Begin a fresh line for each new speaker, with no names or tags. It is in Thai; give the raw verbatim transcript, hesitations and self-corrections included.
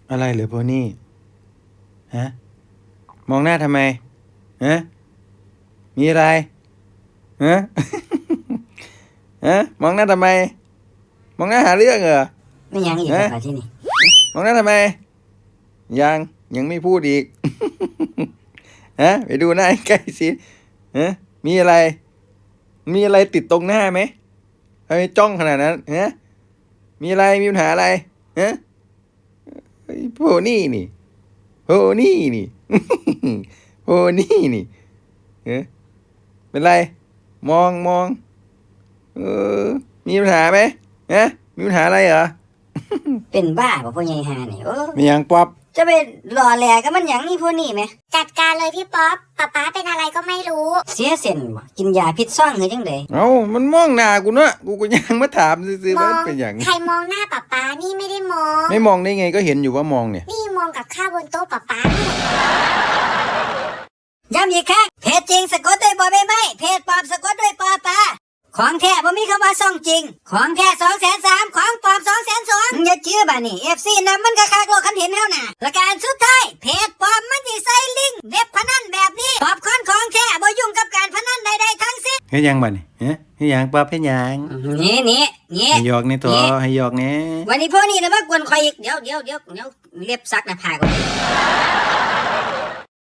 อะไรเหรอโพนี่ฮะมองหน้าทำไมฮะมีอะไรฮะ ฮะมองหน้าทำไมมองหน้าหาเรื่องเหรอ
ไม่ยังอีกครับที่นี่
มองหน้าทำไมยังยังไม่พูดอีก ฮะไปดูหน้าใกล้สิฮะมีอะไรมีอะไรติดตรงหน้าไหมทำไมจ้องขนาดนั้นฮะมีอะไรมีปัญหาอะไรฮะโพนี่นี่โพนี่นี่ โพนี่นี่เออเป็นไรมองมองเออมีปัญหาไหมฮะมีปัญหาอะไรเหรอ
เป็นบ้าป่ะพ่อใหญ่ฮานี่โอ้
มีอย่างป๊อป
จะไปหล่อแหลกกับมันอย่างนี้พวกนี้ไหม
จัดการเลยพี่ป๊อปป๊าป๊าเป็นอะไรก็ไม่รู้
เสียเส้นบ่กินยาพิษซ่องหรือจังได
เอ้ามันมองหน้ากูเนอะกูก็ยังมาถามซื้อๆว่าเป็นอย่าง
ใครมองหน้าป๊าป๊านี่ไม่ได้มอง
ไม่มองได้ไงก็เห็นอยู่ว่ามองเนี่ย
นี่มองกับข้าวบนโต๊ะป๊าป๊า
ย้ำอีกครั้งเพจจริงสะกดด้วยบอใบไม้เพจปลอมสะกดด้วยปอปลาของแท้บ่มีคำว่าซ่องจริงของแท้สองแสนสามของปลอมสองแสนสองอย่าเชื่อบ้านี่เอฟซีนำมันกระคากโลกคันเห็นเท่าน่ะประการสุดท้ายเพจปลอมมันสิใส่ลิงก์เว็บพนันแบบนี้ปอบคอนของแท้บ่ยุ่งกับการพนันใดๆทั้งสิ้น
เฮ็ดยังบัดนี่ฮะเฮ็ดยังป๊อปเฮ็ดยัง
นี่นี่นี่
ให้หยอกนี่ตัวให้หยอกนี่
วันนี้พวกนี้นะมากวนคอยอีกเดี๋ยวเดี๋ยวเดี๋ยวเดี๋ยวเล็บซักหน้าผากก่อน